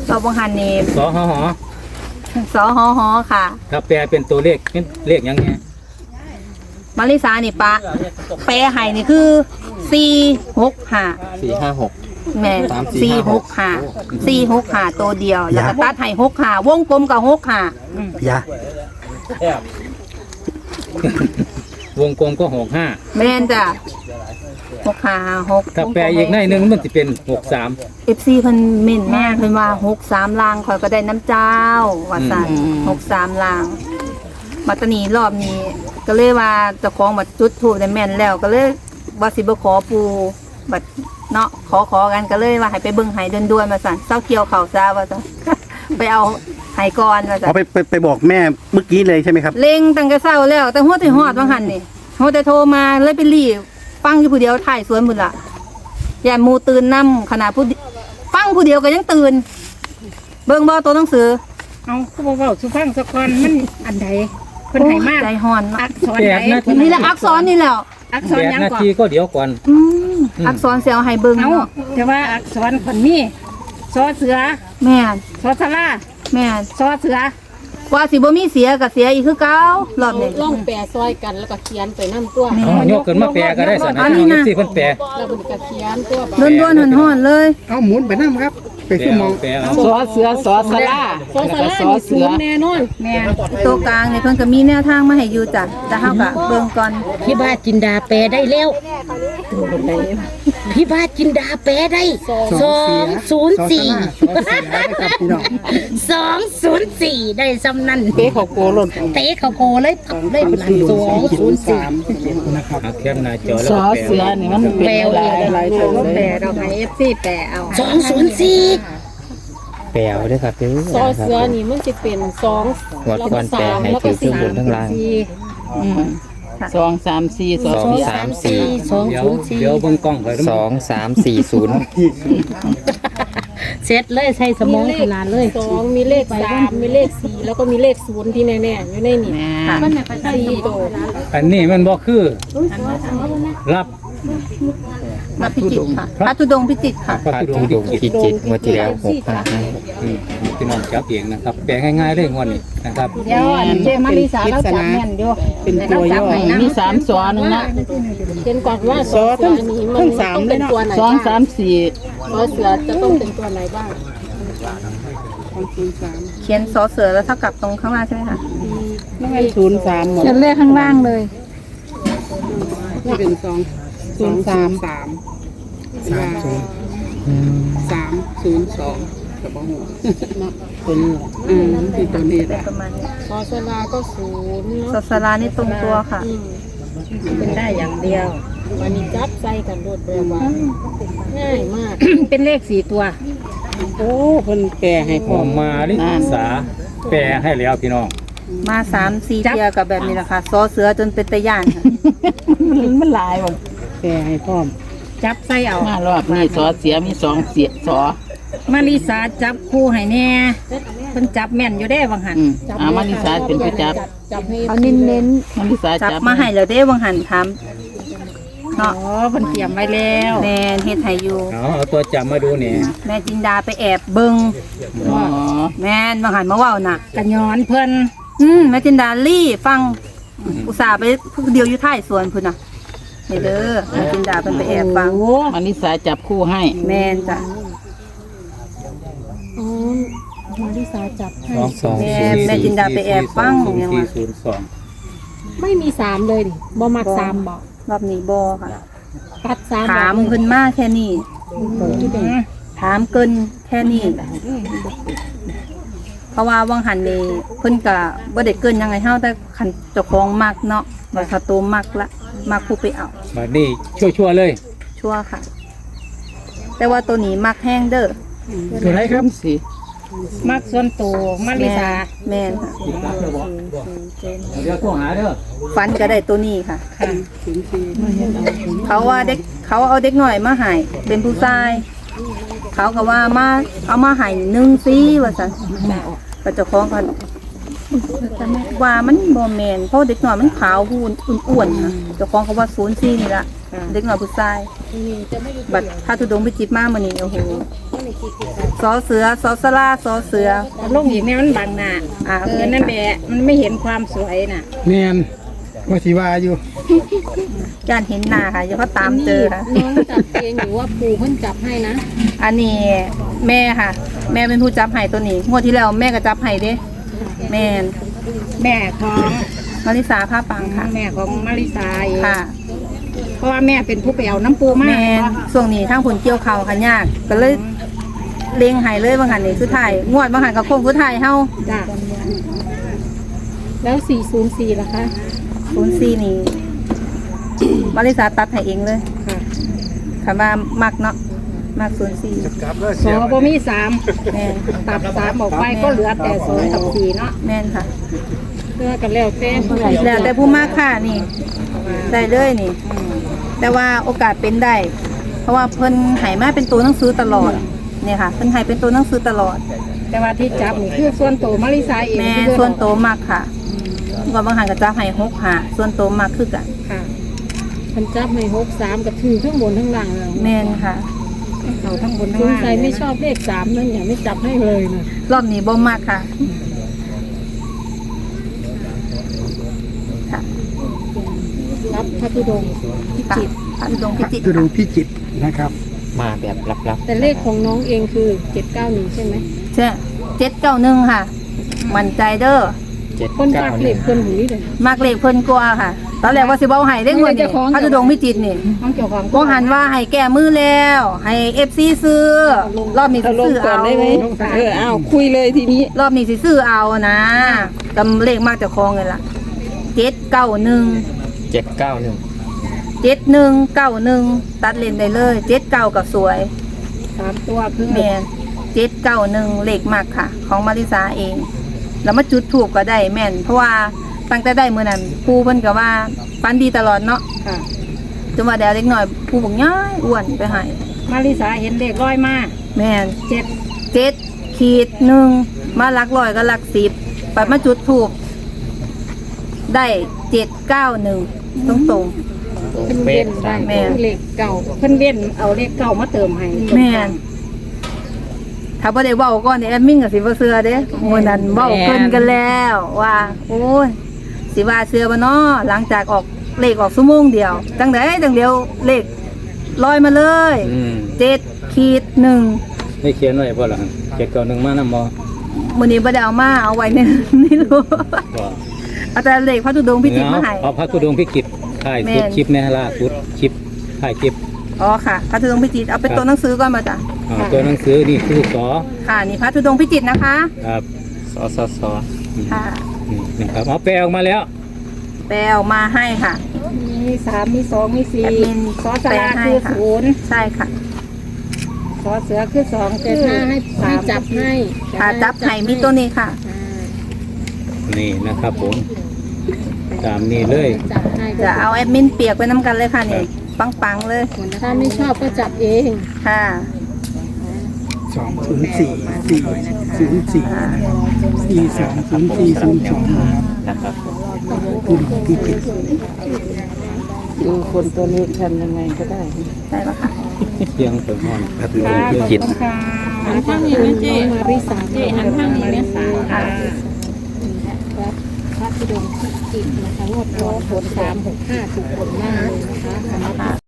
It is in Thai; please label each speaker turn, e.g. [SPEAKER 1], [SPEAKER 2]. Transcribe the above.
[SPEAKER 1] เราบังหันนี่
[SPEAKER 2] สอหอ
[SPEAKER 1] สอหอค่ะ
[SPEAKER 2] ถ้าแปลเป็นตัวเลขเป็นเลขยังไง
[SPEAKER 1] มาริสานี่ปะแปรไห้นี่คือ465
[SPEAKER 3] 456
[SPEAKER 1] แม่465ตัวเดียวแล้วก็ตัดให้65วงกลมกับ65
[SPEAKER 3] ยาว
[SPEAKER 2] งกลมก็65
[SPEAKER 1] แม่นจ้ะ656
[SPEAKER 2] ถ้าแปลอีกในหนึงมันจะเป็น63
[SPEAKER 1] FC เพิ่นเม่นมากเพิ่นว่า63ลางข่อยก็ได้น้ำเจ้าว่าซั่น63ลางมาตะนี้รอบนี้ก็เลยว่าเจ้าของบัดจุดธูปได้แม่นแล้วก็เลยว่าสิบ่ขอปู่บัดเนาะขอกันก็เลยว่าให้ไปเบิ่งให้ด่วนๆมาสั่นเศร้าเกี่ยวข้าวซาว่าซั่น ไปเอาให้ก่อนว่าซั่
[SPEAKER 3] เขา
[SPEAKER 1] น
[SPEAKER 3] ไปบอกแม่เมื่อกี้เลยใช่ไหมครับ
[SPEAKER 1] เล็งตั้งแต่เช้าแล้วแต่หัวที่ฮอดว่าหั่นนี่หัวแต่โทรมาเลยไปรีบฟังอยู่ผู้เดียวถ่ายสวนพุ่นล่ะอย่าหมู่ตื่นนํขนาดผู้ฟังผู้เดียวก็ยังตื่นเบิ่งบ่ตัวหนังสือ
[SPEAKER 4] เอาคือบ่เว้าสุฟังสักก่อนมันอันใดเพิ่นให้มา
[SPEAKER 1] ใจฮ้อนเนาะ
[SPEAKER 4] อักษร
[SPEAKER 2] แป
[SPEAKER 4] ไห
[SPEAKER 2] ดนาที
[SPEAKER 1] นี่แหละอักษรนี่แหล้ว
[SPEAKER 4] อักษรหยัง
[SPEAKER 2] 8 นา
[SPEAKER 4] ก่อน
[SPEAKER 2] ทีก็เดี๋ยวก่อน
[SPEAKER 1] อักษรเสียวให้เบิ่ง
[SPEAKER 4] เอา
[SPEAKER 1] เนาะ
[SPEAKER 4] แต่ว่าอักษรคนมีซอเสือ
[SPEAKER 1] แม่น
[SPEAKER 4] ซอสลา
[SPEAKER 1] แม่น
[SPEAKER 4] ซอเสือ
[SPEAKER 1] ว่าสิบ่มีเสียก็เสียอีกคือเก่ารอบนี้
[SPEAKER 5] ล่องแปรซอยกันแล้วก็เขียนไปน้ำตัว
[SPEAKER 2] เอายกขึ้นมาแปลก็ได้สัน
[SPEAKER 1] อั
[SPEAKER 2] นะ
[SPEAKER 1] นนี้
[SPEAKER 2] น้อง
[SPEAKER 1] นะ
[SPEAKER 2] ที่เพิ่นแปล
[SPEAKER 5] แล้วมันก็เขียนตัว
[SPEAKER 1] ด้วนๆห่อนๆเลย
[SPEAKER 3] เอาหมุนไปนั่งครับ ไปขึ้นมอง
[SPEAKER 2] แปลเอา
[SPEAKER 6] สอเสือสอสลา
[SPEAKER 5] ซอยสารานี่ศูนย์แน่นอน
[SPEAKER 1] แม่ตัวกลางนี่เพิ่นก็มีแนวทางมาให้อยู่จ้ะแต่เฮาก็เบิ่งก่อน
[SPEAKER 6] พี่บ้าจินดาแปลได้แล้วพี่บ้าจินดาแปลได้204ได้ซ้ำนั่นเตะเขาโกเลยเตะเขาโกเลยทับเลยเป็น204
[SPEAKER 3] นะครับ
[SPEAKER 2] เอาแคปหน้าจอแล้ว
[SPEAKER 6] สอ
[SPEAKER 2] ก็แปล
[SPEAKER 6] เสือนี่มันแปลหลายตัว
[SPEAKER 4] แปรเราให้ FC แปรเอา
[SPEAKER 6] 204
[SPEAKER 7] แปลเอาด้วยครับเด้อ
[SPEAKER 5] ซอเสือนี่มันจะเป็นสอง
[SPEAKER 7] หมด
[SPEAKER 5] แล้ว
[SPEAKER 7] ก่
[SPEAKER 5] ก็
[SPEAKER 7] อนแปล
[SPEAKER 5] สาม
[SPEAKER 7] ให้
[SPEAKER 5] แล้ว
[SPEAKER 7] ถื
[SPEAKER 5] ก็
[SPEAKER 7] อทั้ง
[SPEAKER 5] สี่
[SPEAKER 7] บนทั้งล่าง
[SPEAKER 6] 234
[SPEAKER 7] สองสามสี่
[SPEAKER 2] เดี๋ยวเบิ่งกล้องข่อย
[SPEAKER 7] 2340
[SPEAKER 6] เสร็จเลยใช้สมองขนาดเลย
[SPEAKER 5] สองมีเลข3มีเลข4แล้วก็มีเลข0ที่แน่ๆอยู่ในนี่
[SPEAKER 1] ค่ะ
[SPEAKER 5] สี่ตัว
[SPEAKER 2] อันนี้มันบ่คือรับ
[SPEAKER 1] มาพิจิตรค่ะพระธุดงค์พิจิตรค่ะ
[SPEAKER 2] พระ
[SPEAKER 7] พระ
[SPEAKER 2] ธุด
[SPEAKER 7] ธุ
[SPEAKER 2] ง
[SPEAKER 7] ด
[SPEAKER 2] ค์
[SPEAKER 7] งค์พิจิตรงวดที่แล้ว655
[SPEAKER 2] พี่น้องจับเองนะครับแปลง่ายๆเลยงวดนี้นะครับ
[SPEAKER 4] เดี๋ยวเจมาริสาเราจับแม่นอยู่
[SPEAKER 3] เป็นตัวย่อ
[SPEAKER 6] มี3สอนึงนะ
[SPEAKER 5] เห็นก่อนว่าซอเสือนี่มันต้องเป็นตัวไหนบ้าง
[SPEAKER 6] 234
[SPEAKER 5] ซอเสือจะต้องเป็นตัวไหนบ้าง
[SPEAKER 1] เขียนสอเสือแล้วเท่ากับตรงข้างล่างใช่ไหมคะ
[SPEAKER 4] เขียนเลขข้างล่างเลยนี่เป็น203
[SPEAKER 1] ประมาณนี้
[SPEAKER 5] ซอสลาก็0
[SPEAKER 1] สอสลานี่ตรงตัวค่ะ
[SPEAKER 4] เป็นได้อย่างเดียว
[SPEAKER 5] วันนี้จับใส่กันรวดเร็วว่าง่ายมาก
[SPEAKER 4] เป็นเลข4ตัวโอ้เพิ่นแปรให้
[SPEAKER 2] ออกมาลิสาแปลให้แล้วพี่น้อง
[SPEAKER 1] มา3-4เที่ยกับแบบนี้แหละค่ะสอเสือจนเป็นตะย่านค่ะ
[SPEAKER 6] มันหลายบ่
[SPEAKER 4] แปรให้พร้อมจับใส่เอา
[SPEAKER 6] มารอบนี้สอเสียมี2เสียสอ
[SPEAKER 4] มาริสาจับคู่ให้แน่เพิ่นจับแม่นอยู่ได้บางหัน
[SPEAKER 6] มาริสาเป็นผู้จับ
[SPEAKER 5] จับให้
[SPEAKER 1] เอาเน้น
[SPEAKER 6] มาริสา
[SPEAKER 1] ๆจับ
[SPEAKER 6] จับ
[SPEAKER 1] มาให้แล้วเด้วังหันถาม
[SPEAKER 4] อ๋อ
[SPEAKER 1] เนาะ
[SPEAKER 4] เพิ่นเตรียมไว้แล้ว
[SPEAKER 1] แม่นเฮ็ดให้อยู่
[SPEAKER 2] เอาตัวจับมาดูเนี่ย
[SPEAKER 1] แม่จินดาไปแอบเบิ่ง
[SPEAKER 6] อ๋อ
[SPEAKER 1] แม่นวังหันมาเว้าน่ะ
[SPEAKER 4] กันย้อนเพิ่น
[SPEAKER 1] แม่จินดาลี่ฟังอุตส่าห์ไปผู้เดียวอยู่ท้ายสวนพุ่นน่ะนี่เด้อแม่จินดาเพิ่นไปแอบฟัง
[SPEAKER 6] มาริสาจับคู่ให้
[SPEAKER 1] แม่นจ้ะ
[SPEAKER 5] อ๋อมาริสาจับให้
[SPEAKER 1] แม่จินดาไปแอบฟังยังว่า
[SPEAKER 2] 0402
[SPEAKER 5] ไม่มี3เลยดิบ่มัก3บ่
[SPEAKER 1] รอบนี้บ่ค่ะ
[SPEAKER 5] ตัด3
[SPEAKER 1] ถามเพิ่นมาแค่นี้ถามเกินแค่นี้เพราะว่าวังหันนี่เพิ่นก็บ่ได้เกินยังไงเฮาแต่คันเจ้าของมักเนาะว่าถ้าโตมักละมักผู้ไปเอา
[SPEAKER 2] บัดนี้ชั่วๆเลย
[SPEAKER 1] ชัวร์ค่ะ แต่ว่าตัวนี้มักแห้งเด้อ
[SPEAKER 3] ตัวไหนครับ
[SPEAKER 6] สิ
[SPEAKER 4] มักส่วนตัวมาริสา
[SPEAKER 1] แม่นค่ะ
[SPEAKER 2] เดี๋ยวโทรหาเด้อ
[SPEAKER 1] ฟันก็ได้ตัวนี้ค่ะ เขาว่าเด็กเขาเอาเด็กหน่อยมาให้เป็นผู้ชาย เขาก็ว่ามาเอามาให้1 ว่าซั่นก็เจ้าของกันว่ามันบ่แม่นเพราะเด็กน้อยมันขาวหูอ้วนๆค่ะเจ้าของเขาว่า04นี่ล่ะเด็กน้อยผู้ชายบัดถ้าทุดงไปจิบมามื้อนี้โอ้โหสอเสือสอสลาสอเสือ
[SPEAKER 6] ลงอีกเนี่ยมันบังหน้านั่นแหละมันไม่เห็นความสวยน่ะ
[SPEAKER 3] แมนว่าสิว่าอยู่
[SPEAKER 1] การเห็นหน้าค่ะอย่าเขาตามเจอค่ะ
[SPEAKER 5] น้องจับเองหรือว่าปู่เพิ่นจับให้นะ
[SPEAKER 1] อันนี้แม่ค่ะ แม่เป็นผู้จับไห้ตัวนี้งวดที่แล้วแม่ก็จับไห้เด้แม่น
[SPEAKER 6] แม่ของ
[SPEAKER 1] มาริสาผ้าปังค่ะ
[SPEAKER 6] แม่ของมาริสาเอง
[SPEAKER 1] ค่ะ
[SPEAKER 6] เพราะว่าแม่เป็นผู้ไปเอาน้ำปูมา
[SPEAKER 1] แม่นช่วงนี้ทางผลเกี่ยวเขาค่ะยากก็เลยเลี้ยงไห้เลยบางหันนี่คือถ่ายงวดบางหันกับโค้งคือถ่ายเฮา
[SPEAKER 6] จ้ะ
[SPEAKER 5] แล้ว404ล่ะคะ
[SPEAKER 1] 04นี่ มาริสาตัดให้เองเลย
[SPEAKER 6] ค่ะ
[SPEAKER 1] ค่ะว่ามักเนาะมัก04
[SPEAKER 6] สอบ่มีสาม
[SPEAKER 1] แม่น
[SPEAKER 6] ตัดสามออกไปก็เหลือแต่สองกับสี่เนาะ
[SPEAKER 1] แม่นค่ะ
[SPEAKER 5] เพื่อกันแล้วแต่ผู้ใด
[SPEAKER 1] แล้วแต่ผู้มากค่ะนี่ได้เลยนี่ แต่ว่าโอกาสเป็นได้ เพราะว่าเพิ่นใหายมาเป็นตัวหนังสือตลอดเนี่ยค่ะเพิ่นใหายเป็นตัวหนังสือตลอด
[SPEAKER 6] แต่ว่าที่จับนี่คือส่วนโตวมาริสาเอง
[SPEAKER 1] แม่
[SPEAKER 6] คือ
[SPEAKER 1] ส่วนโตมากค่ะว่าบางหันก็จะให้6หาส่วนโตมากคือกัน
[SPEAKER 6] ค่ะ
[SPEAKER 5] เพิ่นจับให้63กับถือทั้งบนทั้งล่างเลย
[SPEAKER 1] แม่นค่ะ
[SPEAKER 6] เขาทั้งบนทั้
[SPEAKER 5] ส
[SPEAKER 6] ง
[SPEAKER 5] ง
[SPEAKER 6] ล่าง
[SPEAKER 5] สัยไม่ชอบเลข3นั่นอย่าไม่จับให้เลยนะ
[SPEAKER 1] รอบนี้บ่มากค่ะค่ะ
[SPEAKER 5] รับพระธุดงค์พิจิตร
[SPEAKER 1] พระธุดงค์พิจิตร
[SPEAKER 3] คือดูพิจิตรนะครับ
[SPEAKER 7] มาแบบลับ
[SPEAKER 5] แต่เลขของน้องเองคือ791ใช่ไหม
[SPEAKER 1] ใช่791ค่ะมั่นใจเด้อ
[SPEAKER 7] ๆ7
[SPEAKER 5] เพิ่นฝากเลข
[SPEAKER 7] 9
[SPEAKER 5] เพิ่นหูนี่เลย
[SPEAKER 1] มากเลขเพิ่นกว่าค่ะ ตอนแรกว่าสิบ่เอาให้ได้เงินนี่พระธุดงค์พิจิตรนี่
[SPEAKER 6] น้องเกี่ยวของ
[SPEAKER 1] บ่หันว่าให้แก้มือแล้ว ให้ FC ซื้อรอบนี้สิซื้อเอา
[SPEAKER 4] อ้าวคุยเลยทีนี้
[SPEAKER 1] รอบนี้สิซื้อเอานะกำเลขมากเจะคลองเลยล่ะ791
[SPEAKER 7] 791
[SPEAKER 1] 7191ตัดเลนได้เลย79กับสวย
[SPEAKER 6] สามตัวคือ
[SPEAKER 1] แม่น791เลขมากค่ะ ของมาริสาเอง แล้วมาจุดถูกก็ได้แม่น เพราะว่าตั้งแต่ได้มื้อนั้นปู่เพิ่นก็ว่าฟันดีตลอดเนาะ
[SPEAKER 6] ค่ะ
[SPEAKER 1] จนว่าเดี๋ยวเล็กน้อยปู่บอกย้ายอ้วนไปให้
[SPEAKER 6] มาริสาเห็นเด็กร้อยมา
[SPEAKER 1] แม่น
[SPEAKER 6] เจ็ด
[SPEAKER 1] 7-1มาหลักร้อยก็หลัก10ปัดมาจุดถูกได้791ตรง
[SPEAKER 5] เพิ่น
[SPEAKER 7] เป๊ะ
[SPEAKER 5] เว้นได้
[SPEAKER 1] แม่
[SPEAKER 5] เลขเก่า
[SPEAKER 6] เพิ่นเว้นเอาเลขเก่ามาเติมให้
[SPEAKER 1] ๆแม่นถ้าบ่ได้เว้าก่อนนี่แอดมินก็สิบ่เชื่อเด้มื้อนั้นเว้าเพิ่นกันแล้วว่า โอ้ยสิว่าเชื่อบ่น้อหลังจากออกเลขออกชั่วโมงเดียวจังได๋จังเดียวเลขลอยมาเลย 7-1
[SPEAKER 2] ได้เขียนไว้บ่ล่ะ791มานำบ่
[SPEAKER 1] มื้อนี้บ่ได้เอามาเอาไว้ใน นี่รู้
[SPEAKER 2] บ่
[SPEAKER 1] เอาแต่เลขพระธุดงค์พิจิตรมาให้
[SPEAKER 2] เอาพระธุดงค์พิจิตรถ่าย
[SPEAKER 1] แม่
[SPEAKER 2] สุด
[SPEAKER 1] น
[SPEAKER 2] คลิปแน่ล่าสุดคลิปถ่ายคลิป
[SPEAKER 1] อ๋อค่ะพระธุดงค์พิจิตรเอาเป็นตัวหนังสือก่อนมาจ้ะ
[SPEAKER 2] ตัวหนังสือนี่คือสอ
[SPEAKER 1] ค่ะนี่พระธุดงค์พิจิตรนะคะ
[SPEAKER 2] ครับ
[SPEAKER 7] สอสอสอ
[SPEAKER 1] ค่ะ
[SPEAKER 2] นี่นะครับเอาแปลออกมาแล้ว
[SPEAKER 1] แปลออกมาให้ค่ะ
[SPEAKER 6] มีสามมีสองมีสี่
[SPEAKER 1] แอดมิน
[SPEAKER 6] สอสลา
[SPEAKER 1] แปลให้
[SPEAKER 6] คือ
[SPEAKER 1] ค่ะ
[SPEAKER 6] ศูนย์
[SPEAKER 1] ใช่ค่ะ
[SPEAKER 6] สอเสือคือสอง
[SPEAKER 5] แต่
[SPEAKER 6] คือ
[SPEAKER 5] ถ้าให้จับให้
[SPEAKER 1] ค่ะจับไห่มีตัวนี้ค่ะ
[SPEAKER 2] นี่นะครับผมตามนี้เลย
[SPEAKER 5] จับให้
[SPEAKER 1] จะเอาแอดมินเปียกไปน้ำกันเลยค่ะนี่ปังๆเลย
[SPEAKER 5] ถ้าไม่ชอบก็จับเอง
[SPEAKER 1] ค่ะ
[SPEAKER 3] 204
[SPEAKER 7] นะครับ
[SPEAKER 3] ดูพิจิตร
[SPEAKER 4] ดูคนตัวเลขทำยังไงก็ได้
[SPEAKER 1] ได้แล้วค่ะ
[SPEAKER 2] เสียงเปิดห้อน
[SPEAKER 3] พระธุดงค์พิ
[SPEAKER 7] จิต
[SPEAKER 6] ค่ะ
[SPEAKER 5] หันข้างนี้นะเจ๊มาริสาเจ๊หันข้างนี้นะ
[SPEAKER 6] ค่ะ
[SPEAKER 5] พระธุดงค์พิจิตรนะคะงวดร้อยผล365ถูกผลมากเลยนะคะสำหรับ